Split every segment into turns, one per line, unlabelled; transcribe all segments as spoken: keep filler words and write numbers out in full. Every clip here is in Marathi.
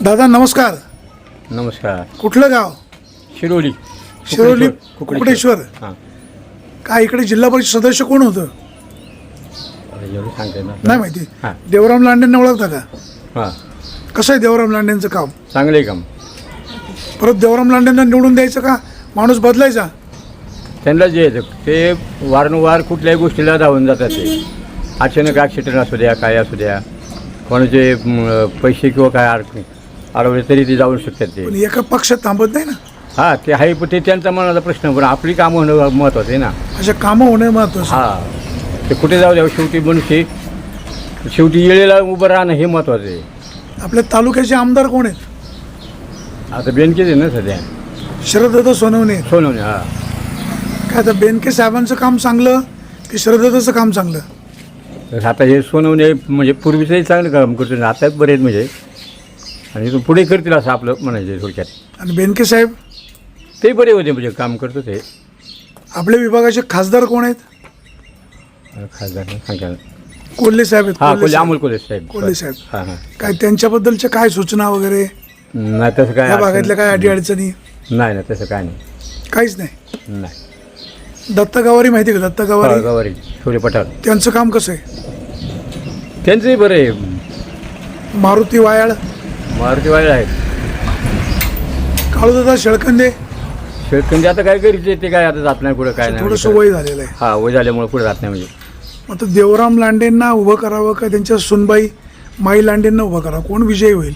दादा नमस्कार.
नमस्कार.
कुठलं गाव?
शिरोली.
शिरोली कुकडेश्वर.
हां.
काय इकडे जिल्हा परिषद सदस्य कोण होतं?
एवढं सांगते ना.
नाही माहिती.
हां.
देवराम लांडेंना ओळखता का?
हां.
कसं आहे देवराम लांडेंचं काम?
चांगलं आहे काम.
परत देवराम लांडेंना निवडून द्यायचं का माणूस बदलायचा?
त्यांना जे येतं ते वारंवार कुठल्याही गोष्टीला धावून जातात. ते अचानक ॲक्सिडेंट असू द्या, काय असू द्या, कोणाचे म, पैसे किंवा काय अडकले अडवले तरी ते जाऊ शकतात ते.
पण एका पक्षात थांबत नाही ना.
हां, ते आहे, पण ते त्यांचा मनाचा प्रश्न, पण आपली कामं होणं महत्त्वाचं आहे ना.
अशा कामं होणे महत्त्वाचं.
हां, ते कुठे जाऊ द्या, शेवटी मनुष्य शेवटी येळेला उभं राहणं हे महत्त्वाचं आहे.
आपल्या तालुक्याचे आमदार कोण आहेत?
आता बेनकेच आहे ना सध्या.
शरदत्त सोनवणे.
सोनवणे. हां.
काय आता बेनके साहेबांचं काम चांगलं की शरदत्तचं काम चांगलं?
तर आता हे सोनवणे म्हणजे पूर्वीचंही चांगलं काम करतो, आता बरेच म्हणजे, आणि इथून पुढे करतील असं आपलं म्हणायचं थोडक्यात.
आणि बेनके साहेब
ते बरे होते म्हणजे काम करतो ते.
आपल्या विभागाचे खासदार कोण आहेत?
खासदार सांगा.
कोल्हे साहेब आहेत.
हां,
कोल्हे
कोल्हे
साहेब.
अमोल कोल्हे साहेब.
कोल्हे साहेब.
हां हां.
काय त्यांच्याबद्दलच्या काय सूचना वगैरे
नाही तसं काय
या भागातल्या काय अडी अडचणी?
नाही ना, तसं काय नाही.
काहीच नाही.
नाही.
दत्त गावारी माहिती का? दत्त गावारी
गवारी छोले पठार
त्यांचं काम कसं आहे?
त्यांचंही बरं आहे.
मारुती वायाळ,
मारुती वाईल आहेत.
काळूदादा शेळकंदे
शेतकरी आता काय करायचे ते काय आता जात नाही पुढे, काय नाही.
थोडंसं वय झालेलं आहे.
हां, वय झाल्यामुळे पुढे जात नाही म्हणजे.
आता देवराम लांडेंना उभं करावं का त्यांच्या सुनबाई माई लांडेंना उभं करावं? कोण विजयी होईल?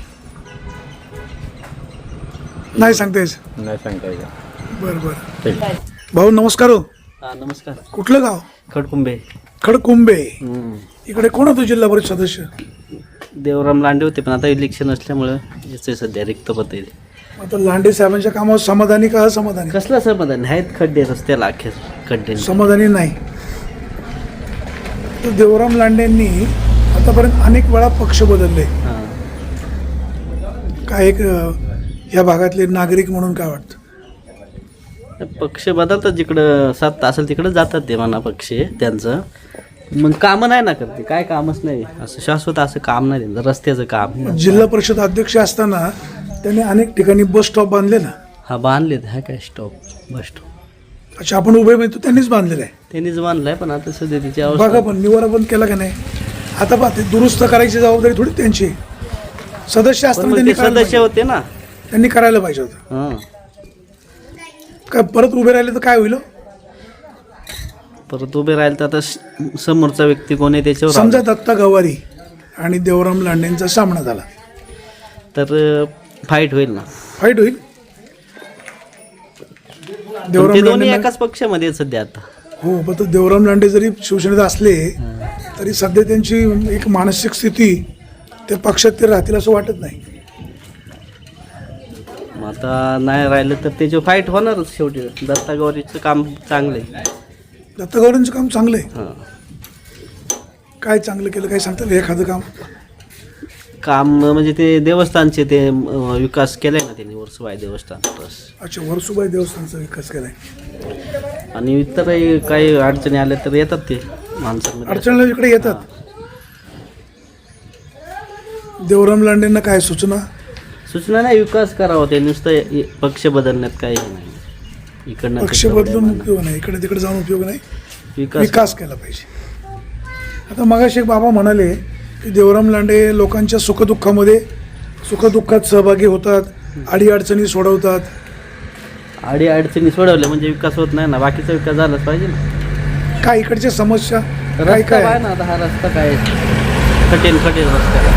नाही सांगता यायचं.
नाही सांगता येईल.
बरं बरं.
ठीक.
भाऊ नमस्कार. हो,
हा नमस्कार.
कुठलं गाव?
खडकुंबे.
खडकुंबे. इकडे कोण होतं जिल्हा परिषद सदस्य?
देवराम लांडे होते, पण आता इलेक्शन असल्यामुळं याचे सध्या रिक्त पद आहे.
आता लांडे साहेबांच्या कामावर समाधानी का असमाधानी?
कसलं समाधान आहेत? खड्डे रस्त्याला अखेर खड्डे.
समाधानी नाही. तर देवराम लांडेंनी आतापर्यंत अनेक वेळा पक्ष बदलले.
हां.
काय एक अ, या भागातले नागरिक म्हणून काय वाटतं?
पक्ष बदलतात, जिकडं सात असेल तिकडं जातात ते म्हणा पक्ष त्यांचं. मग कामं नाही ना करते, काय कामच नाही असं शाश्वत असं काम नाही त्यांचं. रस्त्याचं काम.
जिल्हा परिषद अध्यक्ष असताना त्यांनी अनेक ठिकाणी बस स्टॉप बांधले ना.
हा बांधलेत. हा काय स्टॉप बस स्टॉप
अच्छा, आपण उभे माहिती त्यांनीच बांधलेलं आहे.
त्यांनीच बांधलाय, पण आता सध्या तिची
बघा,
अवस्था.
पण निवारा बंद केला का नाही? आता पहा, ते दुरुस्त करायची जबाबदारी थोडी त्यांची. सदस्य
पण
असताना
मग
त्यांनी
ते
करायला
सदस्य
पाहिजे.
होते ना.
त्यांनी करायला पाहिजे होतं.
हां.
काय परत उभे राहिले तर काय होईल?
परत उभे राहिले तर आता स- समोरचा व्यक्ती कोण आहे त्याच्यावर
समजा दत्ता गवारी आणि देवराम लांडेंचा सामना झाला
तर फाईट होईल ना.
फाईट होईल.
पण
देवराम
ते दोन्ही
लांडे
एकाच पक्षामध्ये आहेत सध्या आता.
हो, पण तो देवराम लांडे जरी शिवसेनेत असले तरी सध्या त्यांची एक मानसिक स्थिती ते पक्षात ते राहतील असं वाटत नाही.
मग आता नाही राहिलं तर त्याची फाईट होणारच शेवटी. दत्ता गौरीचं काम चांगलं आहे.
दत्ता गवारींचं काम चांगलं आहे.
हां.
काय चांगलं केलं, काय सांगता येईल एखादं काम?
काम म्हणजे ते देवस्थानचे ते अं, विकास केलाय ना त्यांनी. वर्सोबाई देवस्थान ट्रस्ट.
अच्छा, वर्सुबाई देवस्थानचा विकास केलाय.
आणि इतरही काही अडचणी आल्या तर येतात ते माणसांमध्ये.
अडचणला इकडे येतात. देवराम लांडेंना काय सूचना?
सूचना नाही, विकास करावा. ते नुसतं इ- पक्ष बदलण्यात काही हे नाही. इकडनं
पक्ष
तिकडं
बदलून
उड्या
उपयोग नाही, इकडे तिकडे जाऊन उपयोग नाही.
मारणं. विकास
विकास केला पाहिजे. आता मगाशी एक बाबा म्हणाले की देवराम लांडे लोकांच्या सुखदुःखामध्ये सुखदुःखात सहभागी होतात, अडीअडचणी सोडवतात.
अडी अडचणी सोडवल्या म्हणजे विकास होत नाही ना. बाकीचा विकास झालाच पाहिजे ना.
काय इकडच्या समस्या काय
रस्ता
काय
आहे
आहे?
ना. आता हा रस्ता काय कठीण कठीण रस्ता.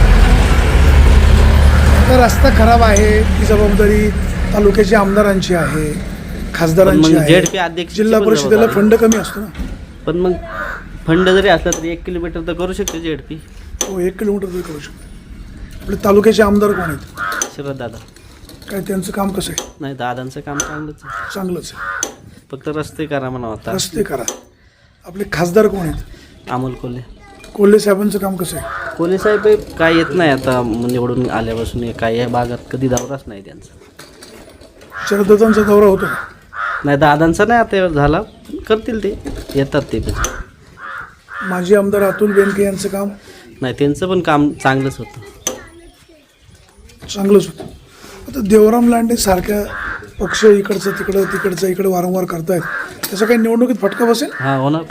आता रस्ता खराब आहे, ती जबाबदारी तालुक्याच्या आमदारांची आहे, खासदारांची
मग
आहे.
झेडपी अध्यक्ष
जिल्हा परिषदेला फंड कमी असतो ना.
पण मग फंड जरी असला तरी एक किलोमीटर तर करू शकते झेडपी.
हो, एक किलोमीटर तरी करू शकतो. आपले तालुक्याचे आमदार कोण आहेत?
शरद दादा.
काय त्यांचं काम कसं आहे?
नाही, दादांचं काम चांगलंच आहे.
चांगलंच आहे.
फक्त रस्ते करा म्हणा आता.
रस्ते करा. आपले खासदार कोण आहेत?
अमोल कोल्हे.
कोल्हे साहेबांचं काम कसं आहे?
कोल्हे साहेब हे काय येत नाही आता निवडून आल्यापासून. हे काय या भागात कधी दौराच नाही त्यांचा.
शरदत्तांचा दौरा होतो का?
नाही, दादांचा नाही आता झाला. करतील ते, येतात ते पण.
माजी आमदार अतुल बेनके यांचं काम?
नाही, त्यांचं पण काम चांगलंच होतं.
चांगलंच होतं. आता देवराम लांडे सारख्या पक्ष इकडचं तिकडं तिकडचं इकडे वारंवार करतायत, त्याचा काही निवडणुकीत फटका बसेल?
हा होणार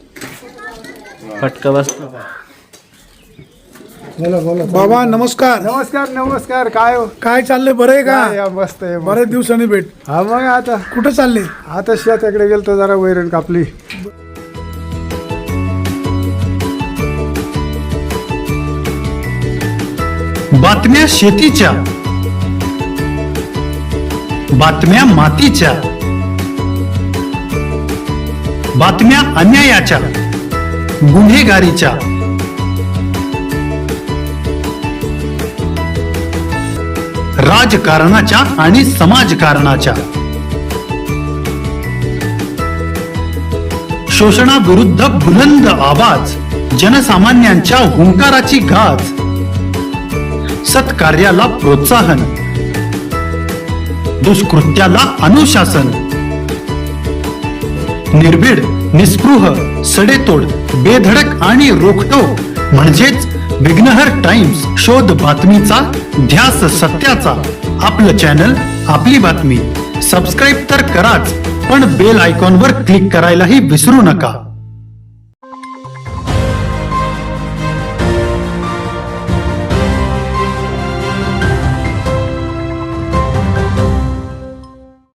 फटका बसतो.
बाबा नमस्कार.
नमस्कार नमस्कार. काय हो?
काय चाललंय, बरं आहे
काय
का?
या, मस्त आहे मस्त.
बऱ्याच दिवसांनी भेट.
हा मग आता
कुठं चालले?
आता शेताकडे गेलतो, जरा वैरण कापली.
बातम्या शेतीच्या, बातम्या मातीच्या, बातम्या अन्यायाच्या, गुन्हेगारीच्या, राजकारणाच्या आणि समाजकारणाच्या, शोषणाविरुद्ध बुलंद आवाज, जनसामान्यांच्या हुंकाराची गाज, सत्कार्याला प्रोत्साहन, दुष्कृत्याला अनुशासन, निर्भीड, निस्पृह, सडेतोड, बेधडक आणि रोखटोक म्हणजेच विघ्नहर टाइम्स. शोध बातमीचा, ध्यास सत्याचा. आपलं चॅनल, आपली बातमी. सबस्क्राईब तर कराच, पण बेल आयकॉनवर क्लिक करायलाही विसरू नका.